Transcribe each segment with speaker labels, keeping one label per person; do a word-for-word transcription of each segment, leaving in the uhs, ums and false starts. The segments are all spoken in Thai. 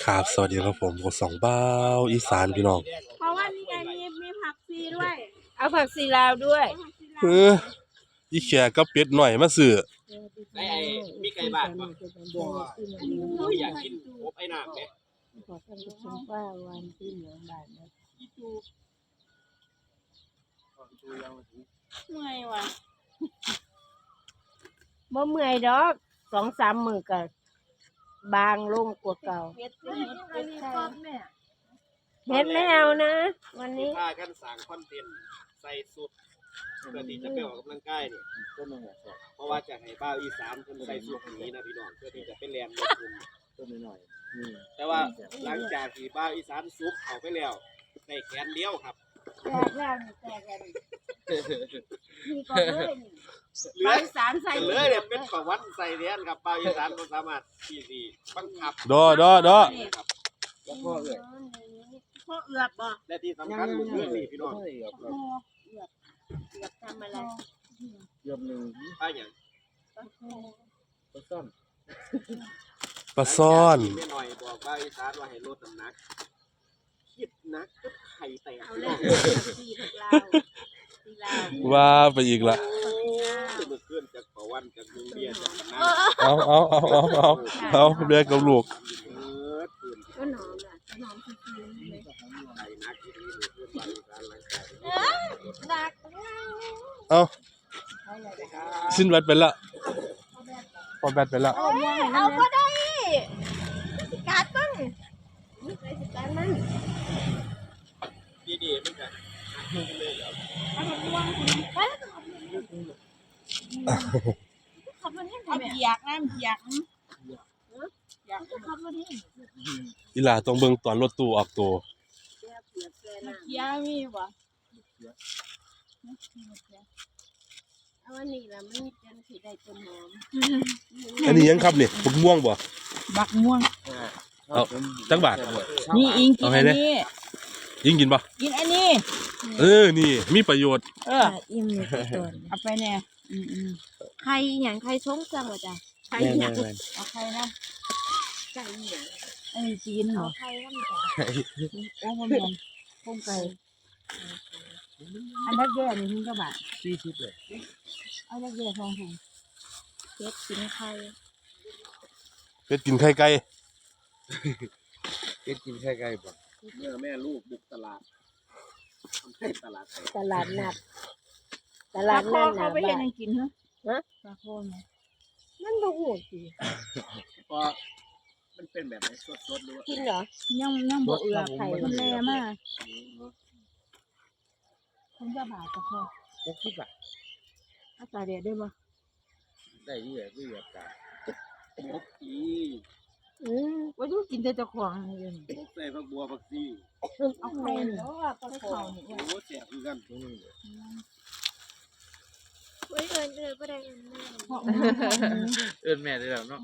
Speaker 1: ครับสวัสดีครับผมกดสองเบ้าอีสานพี่น้อง
Speaker 2: เพราะว่านี่ไงมีมีผักซีด้วย
Speaker 3: เอาผักซีลาวด้วย
Speaker 1: เอออีแขกก็เป็ดหน่อยมาซื้อ
Speaker 4: ไอ้ไอ้มีไก่บ้านป่ะบ่บ่อยากกินอบไอ้น้ำเนี่ย
Speaker 3: ขอท่านผู้ชมว่าวันที่เหลืองบาทนะ
Speaker 2: เมื่อยว่ะ
Speaker 3: บ่เมื่อยดอกสองสามมือก็บางลงกว่าเก่าเฮ็ดไม่เอานะวันนี้
Speaker 4: พากันสร้างคอนเทนต์ใส่สุดเพื่อที่จะไปออกกำลังกายเนี่ยเพราะว่าจะให้บ้าวอีสานคนใส่สุดนี้นะพี่น้องเพื่อที่จะไปแลนด์ลงทุนต้นหน่อยแต่ว่าหลังจากที่บ้าวอีสานซุปเอาไปแล้วใส่แขนเดียวครับ
Speaker 3: แตกแล้วแตกแล้วนี่ก็เลย
Speaker 4: เหลือสารใส่เลยเนี่ยเป็นประวัติใส่เรียนครับบ้าวอีสานก็สามารถที่สิบังคับ
Speaker 1: ดอดอดอ
Speaker 4: แล้วก็เอ้ย
Speaker 2: พ่อเอือบบ่
Speaker 4: และที่สำคัญคือเรื่องนี้พี่น้อง
Speaker 3: เอือบเอือบทำอะไร
Speaker 4: เอือบหนึ่งป้าอย่างปลาซ่อน
Speaker 1: ปลาซ่อน
Speaker 4: ไม่หน่อยบอกบ้าวอีสานว่าให้ลดน้ำหนักคิดนักก็ไข่แตกเลย
Speaker 1: ว่าไปอีกละ
Speaker 4: เมื่อคืนจากประวันจากลุงเบียร์จากคณะ
Speaker 1: เอาเอาเอาเอาเอาเอาเบียร์กับลูก
Speaker 2: ก็หนอมอ่ะหนอมคือคืนเลย
Speaker 4: ไข่นักที่นี่เพื่อนบ้านการหลังกาย
Speaker 2: ดัก
Speaker 1: เอาสิ้นแบตไปละพอแบตไปละ
Speaker 2: เอาก็ได้การตั้งนี่ใครสิการมัน
Speaker 4: ดีๆมันจะเลยเหรอ
Speaker 2: ขับรถให้ผมอยากนะอยากอยากขับรถให้
Speaker 1: อีหล่าต้องเบิ่งตอนรถตู้ออกตัว
Speaker 2: ยามีบ่เอาอันนี้ล่ะมันจังสิได้ต้นหอม
Speaker 1: อันนี้ยังครับนี่บักม่วงบ่
Speaker 3: บักม่วง
Speaker 1: เอาจักบาท
Speaker 3: นี่อิงกินอันนี้
Speaker 1: ยิงกินป่ะ
Speaker 3: กินอันนี้
Speaker 1: เออนี่มีประโยชน์
Speaker 3: เอออิ่มเลยตัวเอาไปแน่อืมอืม
Speaker 2: ใครอย่างใครชงจังวะจ้ะใครอย่าง
Speaker 3: เอาใครนะ
Speaker 2: ไก่เนี่ย
Speaker 3: ไอ้จีนเหรอ
Speaker 2: ใครก็มี
Speaker 3: โอ้มันมันพุ่งไก่อันนักแย่นี่ทิ้งกระบะ
Speaker 4: สี่สิบเลย
Speaker 3: เอานักแย่ทองถุง
Speaker 2: เป็ดกินไข่
Speaker 1: เป็ดกินไข่ไก่
Speaker 4: เป็ดกินไข่ไก่ป่ะเมื่อแม่ลูกบุกตลาดทำให้ตลาด
Speaker 3: ตลาดนัดตลาดนัด
Speaker 2: เขาไปเห็นยังกินฮะ
Speaker 3: ฮะปลาโคนนั่นดูโหดสิ
Speaker 4: เพราะมันเป็นแบบไหนสดๆหรือว่า
Speaker 3: กินเหรอยังยังบ่เอือไข่มันแม่มากคุณจะบาดจะพอ
Speaker 4: หกสิบบาท
Speaker 3: อาจารย์เดียดได้ไหม
Speaker 4: ได้ที่ไหนที่แบบกันหกปี
Speaker 3: อืมว่าดูกินแต่ตะขวางเลย
Speaker 4: หกใส่ผักบัวผักซี
Speaker 3: เอาไข่เนาะปลาโคน
Speaker 4: โอ้แสบคือกัน
Speaker 2: เฮ้ยเอิญเอิญก็ได้เอิญแม่
Speaker 4: เอิญแม่ได้แล้วเนาะ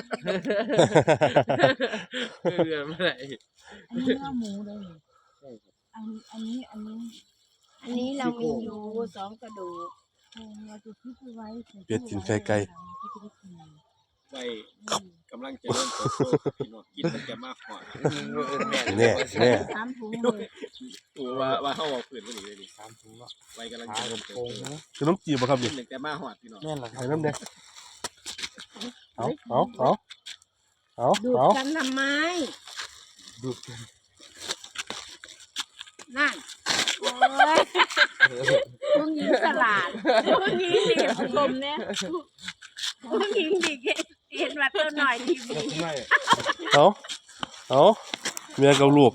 Speaker 4: เอิญไม่ได้
Speaker 3: อันนี้ข้าวหมูเลยอันอันนี้อันนี้อันนี้เรามีอยู่สองกระดูกเราจะคิดไว้
Speaker 1: เป็ดกินไข่ไก่
Speaker 4: ใช่กำลังจะเริ่มโตพี่น้องกินมันจะมากกว่า
Speaker 1: แน่แน่
Speaker 3: สามถุงเลย
Speaker 4: ตัวว่าว่าเขาบอกผืนก็หนีเลยดิสามถุงเนาะไว้กำลังจะเริ่มโต
Speaker 1: คือน้ำจีบครับดิ
Speaker 4: หนึ่งแต่มาหอดพี่น้อง
Speaker 1: แน่นหรอใส่น้ำแดงเอาเอาเอาเอา
Speaker 2: ดูดกันทำไม
Speaker 1: ดูดกัน
Speaker 2: นั่นโอ้ยพวกนี้ตลาดพวกนี้ดีชมเนี่ยพวกนี้ดีเห็นว่าตัวหน่อยดี
Speaker 1: เอาเอาเมียกับลูก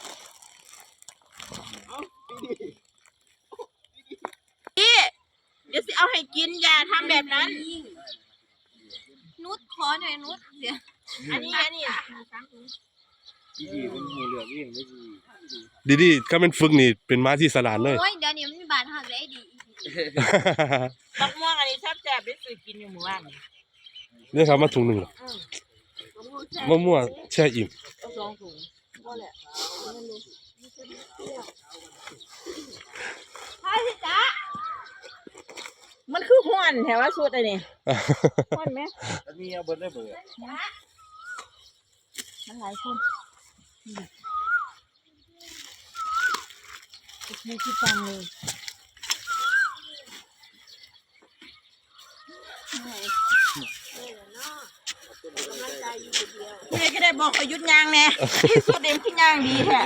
Speaker 2: พี่เดี๋ยวสิเอาให้กินอย่าทำแบบนั้นนุชขอหน่อยนุชเดี๋ยวอันนี้อันนี้
Speaker 4: ดีดีเป็นหมูเหลืองเองไม่ดี
Speaker 1: ดีดีถ้าเป็นฝึกนี่เป็นม้าที่สลาดเลย
Speaker 2: โอ้ยเดี๋ยวนี้มันมีบาดหักเลยดีบักม่วงอันนี้แซ่บแซ่บได้ซื้อกินอยู่หมู่บ้าน
Speaker 1: นี่ครับมาถุงหนึ่งหรอมะม่วงแช่อิ่ม
Speaker 2: สองถุงก็แหละใช่จ้ะมันคือห้วนแถวว่าชุดอะไรนี่ห้วนไหม
Speaker 4: อันนี้เอาเบิร์ดได้เบิร์ด
Speaker 2: มันหลายคน
Speaker 3: โอเคคิดตังเลย
Speaker 2: แม่ก็ได้บอกประยุทธ์ยางแน่ที่สุดเอ็มขึ้นยางดีแท้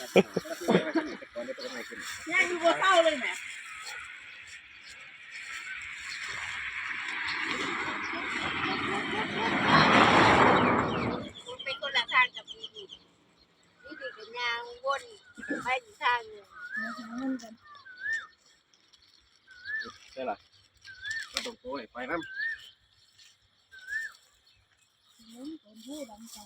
Speaker 2: ยางดูว่าเข้าเลยแหมเป็นคนละทางกับดีดีดีดีกับยางวนไปอีกทางหนึ่ง
Speaker 4: ใช่ล่ะก็ต้องโต้ไปน้ำ
Speaker 3: ล้มโกนผู้ดังตา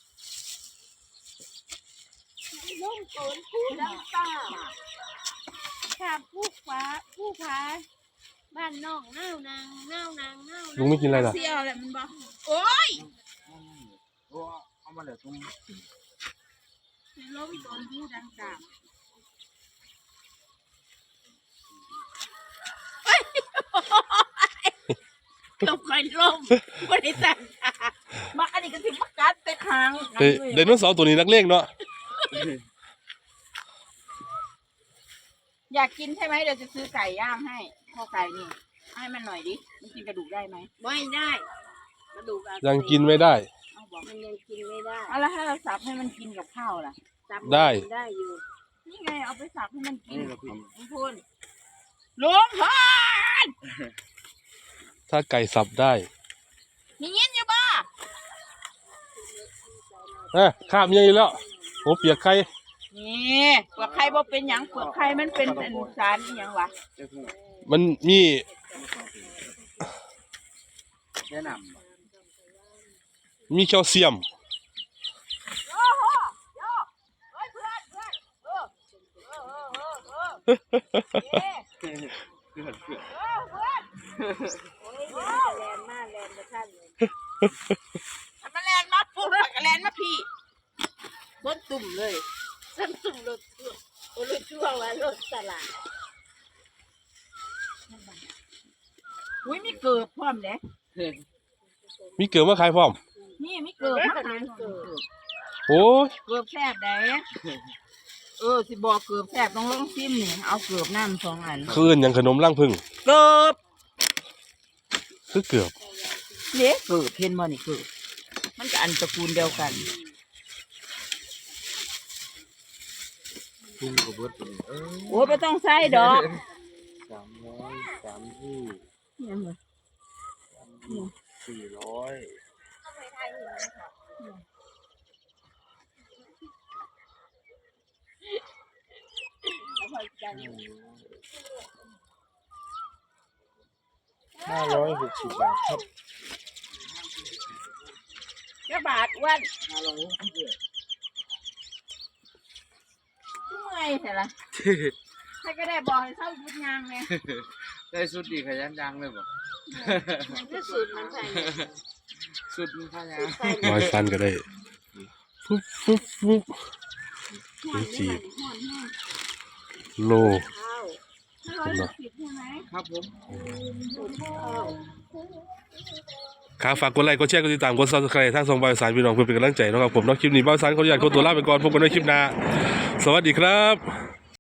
Speaker 2: ลุ่มโกนผู้ดำตาข้าผู้ฟ้าผู้ฟ้าบ้านนอกเน่านางเน่านางเน่า
Speaker 1: ลุงไม่กินอะไรล่ะ
Speaker 2: เสียวแหละมันบอกโอ้ย
Speaker 4: โอ้เอามาเลยตรง
Speaker 2: ล้มโกนผู้ดังตาตกคอยล้มบริษัทมาอันนี้ก็ถึงมากัดแต่คาง
Speaker 1: เฮ้ยไดโนเสาร์ตัวนี้นักเลงเนาะ
Speaker 2: อยากกินใช่ไหมเดี๋ยวจะซื้อไก่ย่างให้ข้อไก่นี่ให้มันหน่อยดิมันกินกระดูกได้ไหมไม่ได้กระดูก
Speaker 1: ยังกินไม่ได้
Speaker 2: เอาบอกมันยังกินไม่ได้เอาแล้วถ้าเราสับให้มันกินกับข้าวล่ะสับ
Speaker 1: ได้
Speaker 2: ได้อยู่นี่ไงเอาไปสับให้มันกินลุงพูนลุงพล
Speaker 1: ถ้าไก่สับได้
Speaker 2: มีเงี้ยอยู่บ้า
Speaker 1: เอ้ยข้ามยังอีกแล้วโอ้เปียกไข่
Speaker 2: นี่เปลือกไข่บ่เป็นหยังเปลือกไข่มันเป็นอันสารอหยังวะ
Speaker 1: มันมี
Speaker 4: แนะน
Speaker 1: มีแคลเซียม
Speaker 2: โอ้โหโยเฮ้ยเพื่อนเพื่อนเออเออเออเออเออเย้
Speaker 4: ำเพื่อนเพื่อน
Speaker 2: เออเพื่อนโอ้ยแลนมากแลนมาท่านเลยทำมาแลนมาปุ๊บแล้วก็แลนมาพี่บนตุ่มเลยส้นตุ่มรถชั่วโอ้รถชั่วว่ารถตลาดอุ้ยมีเกือบพร้อมเลย
Speaker 1: มีเกลือมาขายพร้อม
Speaker 2: นี่มีเกือบมาขายเกือบ
Speaker 1: โอ้ย
Speaker 2: เกือบแซ่บได้เออสิบอกเกือบแซ่บต้องลองซิมนี่เอาเกือบน้ำสองอัน
Speaker 1: คืนอย่างขนมล่างพึ่ง
Speaker 2: เกือบ
Speaker 1: คือเกือบ
Speaker 2: เละเกือบเห็นบ่นี่เกือบมันก็อันตระกูลเดียวกัน
Speaker 4: พุ่งกระเบิดเออ
Speaker 2: โอ้ไม่ต้องใส่ดอก
Speaker 4: สามร้อยสามที่
Speaker 2: เนี่ยเหรอ
Speaker 4: สี่ร้อย ห้าร้อยหกสิบบาทครับ
Speaker 2: แค่บาทอ้วัน
Speaker 4: ห้าร้อยหกสิบบาท
Speaker 2: เมื่อยใช่ละใครก็ได้บอกให้เข้ายุดยางไง
Speaker 4: ได้สุดดีขยันดังเลยบ่
Speaker 2: ที่สุดมันใส่
Speaker 4: สุดมันขยัน
Speaker 1: ร้อยฟันก็ได้ฟุ๊บฟุ๊บฟุ๊บนี่จีบโล
Speaker 2: ข้าวห้าร้อยหกสิบใช่ไหม
Speaker 4: ครับผม
Speaker 1: ครับฝากกดไลค์กดแชร์กดติดตามกดซับสไครต์ทางส่งบายสารพี่น้องเพื่อเป็นกำลังใจนะครับผมเนาะคลิปนี้บ้านสารเขาอยากคนตัวลาไปก่อนพบกันในคลิปหน้าสวัสดีครับ